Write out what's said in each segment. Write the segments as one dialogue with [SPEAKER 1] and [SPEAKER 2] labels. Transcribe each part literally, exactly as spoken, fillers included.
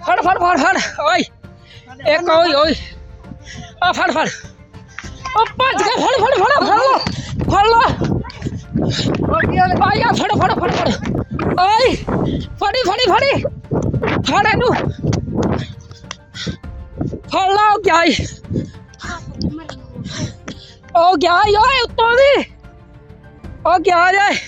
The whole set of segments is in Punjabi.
[SPEAKER 1] फड़ फड़ फड़ फड़ ओए एक ओए ओए आ फड़ फड़ ओ भज के फड़ फड़ फड़ फड़ लो फड़ लो आ या फड़ फड़ फड़ फड़ ओए फड़ी फड़ी फड़ी फड़ इनू फड़ लो क्या ओ क्या ओए उत्तों दी ओ क्या जाए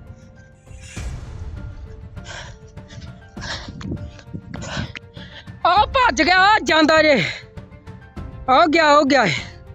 [SPEAKER 1] आ भज गया जांदा जे आ गया हो गया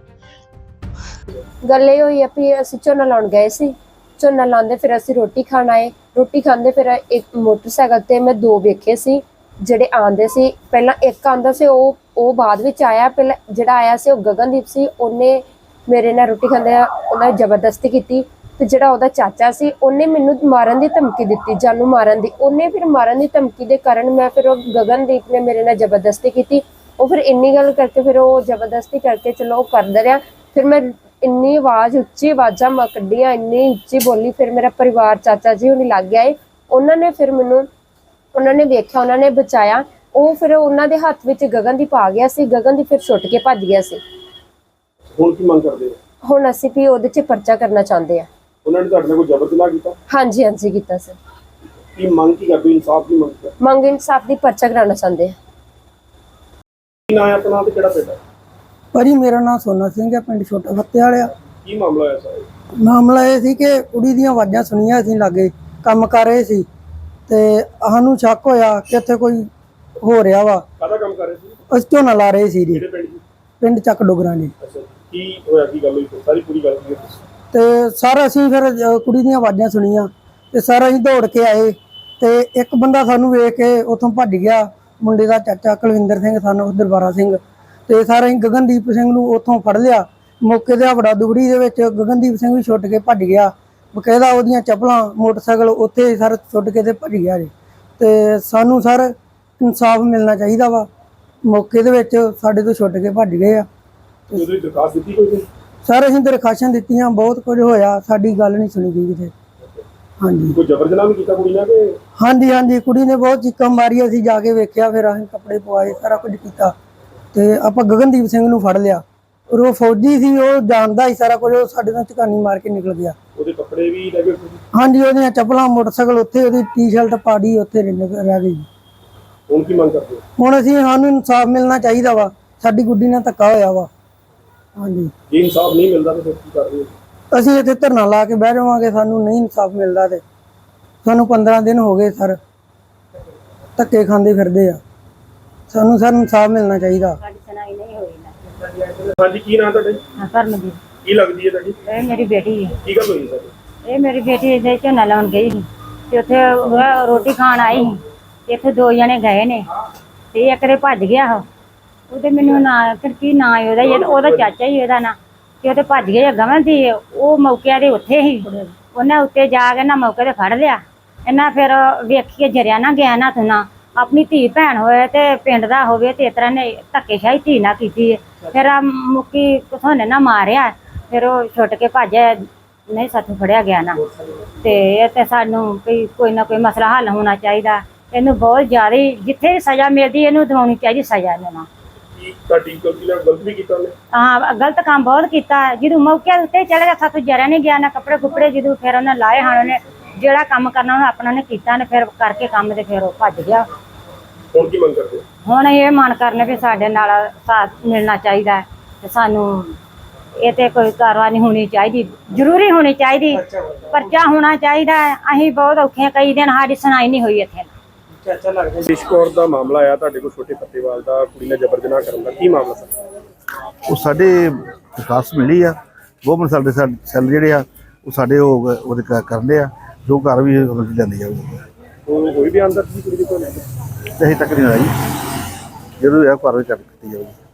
[SPEAKER 2] गल ये हुई भी असीं झोना लाउण गए सी झोना लांदे फिर असीं रोटी खाण आए रोटी खांदे फिर एक मोटरसाइकिल ते मैं दो वेखे सी ਜਿਹੜੇ ਆਂਦੇ ਸੀ ਪਹਿਲਾਂ ਇੱਕ ਆਂਦਾ ਸੀ ਉਹ ਉਹ ਬਾਅਦ ਵਿੱਚ ਆਇਆ ਪਹਿਲਾਂ ਜਿਹੜਾ ਆਇਆ ਸੀ ਉਹ ਗਗਨਦੀਪ ਸੀ ਉਹਨੇ ਮੇਰੇ ਨਾਲ ਰੋਟੀ ਖਾਂਦੇ ਉਹਨਾਂ ਜ਼ਬਰਦਸਤੀ ਕੀਤੀ ਤੇ ਜਿਹੜਾ ਉਹਦਾ ਚਾਚਾ ਸੀ ਉਹਨੇ ਮੈਨੂੰ ਮਾਰਨ ਦੀ ਧਮਕੀ ਦਿੱਤੀ ਜਾਨੂ ਮਾਰਨ ਦੀ ਉਹਨੇ ਫਿਰ ਮਾਰਨ ਦੀ ਧਮਕੀ ਦੇ ਕਾਰਨ ਮੈਂ ਫਿਰ ਉਹ ਗਗਨਦੀਪ ਨੇ ਮੇਰੇ ਨਾਲ ਜ਼ਬਰਦਸਤੀ ਕੀਤੀ ਉਹ ਫਿਰ ਇੰਨੀ ਗੱਲ ਕਰਕੇ ਫਿਰ ਉਹ ਜ਼ਬਰਦਸਤੀ ਕਰਕੇ ਚਲੋ ਉਹ ਕਰਦਾ ਰਿਹਾ ਫਿਰ ਮੈਂ ਇੰਨੀ ਆਵਾਜ਼ ਉੱਚੀ ਆਵਾਜ਼ਾਂ ਮੈਂ ਕੱਢੀਆਂ ਇੰਨੀ ਉੱਚੀ ਬੋਲੀ ਫਿਰ ਮੇਰਾ ਪਰਿਵਾਰ ਚਾਚਾ ਜੀ ਉਹਨੇ ਲੱਗ ਗਿਆ ਉਹਨਾਂ ਨੇ ਫਿਰ ਮੈਨੂੰ ਉਹਨਾਂ ਨੇ ਵੇਖਿਆ ਉਹਨਾਂ ਨੇ ਬਚਾਇਆ ਉਹ ਫਿਰ ਉਹਨਾਂ ਦੇ ਹੱਥ ਵਿੱਚ ਗਗਨਦੀਪ ਆ ਗਿਆ ਸੀ ਗਗਨਦੀਪ ਫਿਰ ਛੁੱਟ ਕੇ ਭੱਜ ਗਿਆ ਸੀ
[SPEAKER 3] ਹੁਣ ਕੀ ਮੰਗ ਕਰਦੇ ਹੋ
[SPEAKER 2] ਹੁਣ ਅਸੀਂ ਵੀ ਉਹਦੇ 'ਚ ਪਰਚਾ ਕਰਨਾ ਚਾਹੁੰਦੇ ਆ
[SPEAKER 3] ਉਹਨਾਂ ਨੇ ਤੁਹਾਡੇ ਨਾਲ ਕੋਈ ਜ਼ਬਰ ਜਨਾਹ ਕੀਤਾ
[SPEAKER 2] ਹਾਂਜੀ ਹਾਂਜੀ ਕੀਤਾ ਸਰ
[SPEAKER 3] ਕੀ ਮੰਗ ਕੀ ਕਰਦੇ ਇਨਸਾਫ ਦੀ ਮੰਗ ਕਰ
[SPEAKER 2] ਮੰਗ ਇਨਸਾਫ ਦੀ ਪਰਚਾ ਕਰਾਉਣਾ ਚਾਹੁੰਦੇ ਆ
[SPEAKER 3] ਕੀ ਨਾਂ ਹੈ ਆਪਣਾ ਤੇ ਕਿਹੜਾ ਪਿੰਡ ਹੈ
[SPEAKER 4] ਭਾਜੀ ਮੇਰਾ ਨਾਮ ਸੋਨਾ ਸਿੰਘ ਹੈ ਪਿੰਡ ਛੋਟਾ ਫੱਤੇ ਵਾਲਿਆ
[SPEAKER 3] ਕੀ ਮਾਮਲਾ ਹੋਇਆ ਸਰ
[SPEAKER 4] ਮਾਮਲਾ ਇਹ ਸੀ ਕਿ ਕੁੜੀ ਦੀਆਂ ਆਵਾਜ਼ਾਂ ਸੁਣੀਆਂ ਅਸੀਂ ਲਾਗੇ ਕੰਮ ਕਰ ਰਹੇ ਸੀ ਤੇ ਸਾਨੂੰ ਸ਼ੱਕ ਹੋਇਆ ਕਿ ਇੱਥੇ ਕੋਈ ਹੋ ਰਿਹਾ ਵਾ
[SPEAKER 3] ਕਾਹਦਾ ਕੰਮ ਕਰ ਰਹੇ ਸੀ
[SPEAKER 4] ਅਸੀਂ ਝੋਨਾ ਲਾ ਰਹੇ ਸੀ ਜੀ
[SPEAKER 3] ਕਿਹੜੇ ਪਿੰਡ ਦੀ
[SPEAKER 4] ਪਿੰਡ ਚੱਕ ਡੋਗਰਾਂ ਜੀ
[SPEAKER 3] ਅੱਛਾ ਕੀ ਹੋਇਆ ਕੀ ਗੱਲ ਹੋਈ ਸਾਰੀ ਪੂਰੀ ਗੱਲ ਕੀ
[SPEAKER 4] ਤੇ ਸਰ ਅਸੀਂ ਫਿਰ ਅ, ਕੁੜੀ ਦੀਆਂ ਆਵਾਜ਼ਾਂ ਸੁਣੀਆਂ ਤੇ ਸਰ ਅਸੀਂ ਦੌੜ ਕੇ ਆਏ ਤੇ ਇੱਕ ਬੰਦਾ ਸਾਨੂੰ ਵੇਖ ਕੇ ਉੱਥੋਂ ਭੱਜ ਗਿਆ ਮੁੰਡੇ ਦਾ ਚਾਚਾ ਕੁਲਵਿੰਦਰ ਸਿੰਘ ਸਾਨੂੰ ਦਰਬਾਰਾ ਸਿੰਘ ਤੇ ਸਰ ਅਸੀਂ ਗਗਨਦੀਪ ਸਿੰਘ ਨੂੰ ਉੱਥੋਂ ਫੜ ਲਿਆ ਮੌਕੇ ਤੇ ਹਵੜਾ ਦੁਗੜੀ ਦੇ ਵਿੱਚ ਗਗਨਦੀਪ ਸਿੰਘ ਵੀ ਛੁੱਟ ਕੇ ਭੱਜ ਗਿਆ ਬਕਾਇਦਾ ਉਹਦੀਆਂ ਚੱਪਲਾਂ ਮੋਟਰਸਾਈਕਲ ਉੱਥੇ ਸਰ ਛੁੱਟ ਕੇ ਤੇ ਭੱਜ ਗਿਆ ਜੀ ਤੇ ਸਾਨੂੰ ਸਰ ਇਨਸਾਫ ਮਿਲਣਾ ਚਾਹੀਦਾ ਵਾ ਮੌਕੇ ਦੇ ਵਿੱਚ ਸਾਡੇ ਤੋਂ ਛੁੱਟ ਕੇ ਭੱਜ ਗਏ ਆ
[SPEAKER 3] ਉਹਦੀ ਦਰਖਾਸਤ ਦਿੱਤੀ ਕੋਈ
[SPEAKER 4] ਸਰ ਅਸੀਂ ਦਰਖਾਸ਼ਾਂ ਦਿੱਤੀਆਂ ਬਹੁਤ ਕੁਝ ਹੋਇਆ ਸਾਡੀ ਗੱਲ ਨਹੀਂ ਸੁਣੀ ਗਈ ਕਿਤੇ ਹਾਂਜੀ
[SPEAKER 3] ਕੋਈ ਜ਼ਬਰ ਜਨਾਹ ਵੀ ਕੀਤਾ ਕੁੜੀ ਨਾਲ ਕਿ
[SPEAKER 4] ਹਾਂਜੀ ਹਾਂਜੀ ਕੁੜੀ ਨੇ ਬਹੁਤ ਚੀਕਾਂ ਮਾਰੀਆਂ ਅਸੀਂ ਜਾ ਕੇ ਵੇਖਿਆ ਫਿਰ ਅਸੀਂ ਕੱਪੜੇ ਪਵਾਏ ਸਾਰਾ ਕੁਝ ਕੀਤਾ ਤੇ ਆਪਾਂ ਗਗਨਦੀਪ ਸਿੰਘ ਨੂੰ ਫੜ ਲਿਆ ਔਰ ਉਹ ਫੌਜੀ ਸੀ ਉਹ ਜਾਣਦਾ ਹੀ ਸਾਰਾ ਕੁਝ ਉਹ ਸਾਡੇ ਨਾਲ ਝਕਾਨੀ ਮਾਰ ਕੇ ਨਿਕਲ ਗਿਆ
[SPEAKER 3] ਉਹਦੇ ਕੱਪੜੇ ਵੀ ਲੈ ਗਏ
[SPEAKER 4] ਹਾਂਜੀ ਉਹਦੀਆਂ ਚੱਪਲਾਂ ਮੋਟਰਸਾਈਕਲ ਉੱਥੇ ਉਹਦੀ ਟੀ-ਸ਼ਰਟ ਪਾੜੀ ਉੱਥੇ ਰਹਿ ਗਈ
[SPEAKER 3] ਹੁਣ ਕੀ ਮੰਗ ਕਰਦੇ ਹੋ
[SPEAKER 4] ਹੁਣ ਅਸੀਂ ਸਾਨੂੰ ਇਨਸਾਫ ਮਿਲਣਾ ਚਾਹੀਦਾ ਵਾ ਸਾਡੀ ਗੁੱਡੀ ਨਾਲ ਧੱਕਾ ਹੋਇਆ ਵਾ ਹਾਂਜੀ
[SPEAKER 3] ਜੇ ਇਨਸਾਫ ਨਹੀਂ ਮਿਲਦਾ ਤਾਂ ਫਿਰ ਕੀ ਕਰ ਰਹੇ ਹੋ
[SPEAKER 4] ਅਸੀਂ ਇੱਥੇ ਧਰਨਾ ਲਾ ਕੇ ਬਹਿ ਜਾਵਾਂਗੇ ਸਾਨੂੰ ਨਹੀਂ ਇਨਸਾਫ ਮਿਲਦਾ ਤੇ ਸਾਨੂੰ ਪੰਦਰਾਂ ਦਿਨ ਹੋ ਗਏ ਸਰ ਧੱਕੇ ਖਾਂਦੇ ਫਿਰਦੇ ਆ ਸਾਨੂੰ ਸਰ ਇਨਸਾਫ ਮਿਲਣਾ ਚਾਹੀਦਾ
[SPEAKER 3] ਹਾਂਜੀ ਕੀ ਨਾਂ ਤੁਹਾਡਾ
[SPEAKER 5] ਕਰਮਜੀਤ
[SPEAKER 3] ਕੀ ਲੱਗਦੀ ਹੈ ਤੁਹਾਡੀ
[SPEAKER 5] ਇਹ ਮੇਰੀ ਬੇਟੀ ਹੈ
[SPEAKER 3] ਕੀ ਗੱਲ ਹੋਈ ਸਰ
[SPEAKER 5] ਇਹ ਮੇਰੀ ਬੇਟੀ ਦੇ ਝੋਨਾ ਲਾਉਣ ਗਈ ਸੀ ਤੇ ਉੱਥੇ ਉਹ ਰੋਟੀ ਖਾਣ ਆਈ ਸੀ ਇੱਥੇ ਦੋ ਜਣੇ ਗਏ ਨੇ ਤੇ ਇੱਕ ਦੇ ਭੱਜ ਗਿਆ ਉਹ ਉਹਦੇ ਮੈਨੂੰ ਨਾਂ ਫਿਰ ਕੀ ਨਾਂ ਹੈ ਉਹਦਾ ਇਹ ਉਹਦਾ ਚਾਚਾ ਹੀ ਉਹਦਾ ਨਾਂ ਤੇ ਉਹਦੇ ਭੱਜ ਗਏ ਗਵਨ ਸੀ ਉਹ ਮੌਕੇ ਦੇ ਉੱਥੇ ਹੀ ਉਹਨੇ ਉੱਤੇ ਜਾ ਕੇ ਨਾ ਮੌਕੇ ਤੇ ਫੜ ਲਿਆ ਇਹਨਾਂ ਫਿਰ ਵੇਖੀਏ ਜਰਿਆ ਨਾ ਗਿਆ ਨਾ ਤੂੰ ਨਾ ਆਪਣੀ ਧੀ ਭੈਣ ਹੋਏ ਤੇ ਪਿੰਡ ਦਾ ਹੋਵੇ ਤੇ ਇਸ ਤਰ੍ਹਾਂ ਨੇ ਧੱਕੇਸ਼ਾਹੀ ਧੀ ਨਾ ਕੀਤੀ ਫਿਰ ਆ ਮੁੱਕੀ ਕਿਥੋਂ ਨੇ ਨਾ ਮਾਰਿਆ ਫਿਰ ਉਹ ਛੁੱਟ ਕੇ ਭੱਜਿਆ ਨਹੀਂ ਸਾਥੋਂ ਫੜਿਆ ਗਿਆ ਨਾ ਤੇ ਇਹ ਤੇ ਸਾਨੂੰ ਕੋਈ ਕੋਈ ਨਾ ਕੋਈ ਮਸਲਾ ਹੱਲ ਹੋਣਾ ਚਾਹੀਦਾ ਇਹਨੂੰ ਬਹੁਤ ਜ਼ਿਆਦਾ ਜਿੱਥੇ ਸਜ਼ਾ ਮਿਲਦੀ ਇਹਨੂੰ ਦਿਵਾਉਣੀ ਚਾਹੀਦੀ ਸਜ਼ਾ ਇਹਨੂੰ ਨਾ
[SPEAKER 3] ਕੀ ਤੁਹਾਡੀ ਗਲਤੀ ਨਾਲ ਗਲਤ ਵੀ ਕੀਤਾ ਉਹਨੇ
[SPEAKER 5] ਹਾਂ ਗਲਤ ਕੰਮ ਬਹੁਤ ਕੀਤਾ ਜਦੋਂ ਮੌਕੇ ਉੱਤੇ ਚਲੇ ਗਿਆ ਸਾਥੋਂ ਜਰਿਆ ਨਹੀਂ ਗਿਆ ਨਾ ਕੱਪੜੇ ਕੁੱਪੜੇ ਜਦੋਂ ਫਿਰ ਉਹਨੇ ਲਾਏ ਹਨ ਉਹਨੇ ਜਿਹੜਾ ਕੰਮ ਕਰਨਾ ਉਹਨੇ ਆਪਣਾ ਨੇ ਕੀਤਾ ਨੇ ਫਿਰ ਕਰਕੇ ਕੰਮ ਤੇ ਫਿਰ ਉਹ ਭੱਜ ਗਿਆ
[SPEAKER 3] ਹੁਣ ਕੀ ਮੰਗ ਕਰਦੇ ਹੋ
[SPEAKER 5] ਹੁਣ ਇਹ ਮਨ ਕਰਨੇ ਵੀ ਸਾਡੇ ਨਾਲ ਸਾਥ ਮਿਲਣਾ ਚਾਹੀਦਾ ਤੇ ਸਾਨੂੰ ਇਹ ਤੇ ਕੋਈ ਕਾਰਵਾਈ ਹੋਣੀ ਚਾਹੀਦੀ ਜ਼ਰੂਰੀ ਹੋਣੀ ਚਾਹੀਦੀ ਪਰਚਾ ਹੋਣਾ ਚਾਹੀਦਾ ਅਸੀਂ ਬਹੁਤ ਔਖੇ ਕਈ ਦਿਨ ਸਾਡੀ ਸੁਣਾਈ ਨਹੀਂ ਹੋਈ ਇੱਥੇ
[SPEAKER 3] ਬਿਸ਼ਕੌਰ ਦਾ ਮਾਮਲਾ ਆਇਆ ਤੁਹਾਡੇ ਕੋਲ ਛੋਟੇ ਫੱਤੇਵਾਲ ਦਾ ਕੁੜੀ ਨੇ ਜ਼ਬਰ ਜਨਾਹ ਕਰਨ ਦਾ ਕੀ ਮਾਮਲਾ ਸਰ
[SPEAKER 6] ਉਹ ਸਾਡੇ ਦਰਖਾਸਤ ਮਿਲੀ ਆ ਗਵਰਨਮੈਂਟ ਸਾਡੇ ਸੈੱਲ ਜਿਹੜੇ ਆ ਉਹ ਸਾਡੇ ਉਹ ਉਹਦੇ ਕਰਦੇ ਆ ਜੋ ਘਰ ਵੀ ਲੈਂਦੀ ਆ
[SPEAKER 3] ਉਹ ਕੋਈ ਵੀ ਅੰਦਰ ਸੀ ਕੁੜੀ ਦੇ ਕੋਲ
[SPEAKER 6] ਅਜੇ ਤੱਕ ਨਹੀਂ ਆਈ ਜਦੋਂ ਇਹ ਘਰ ਵਿੱਚ ਕੀਤੀ ਜਾਊਗੀ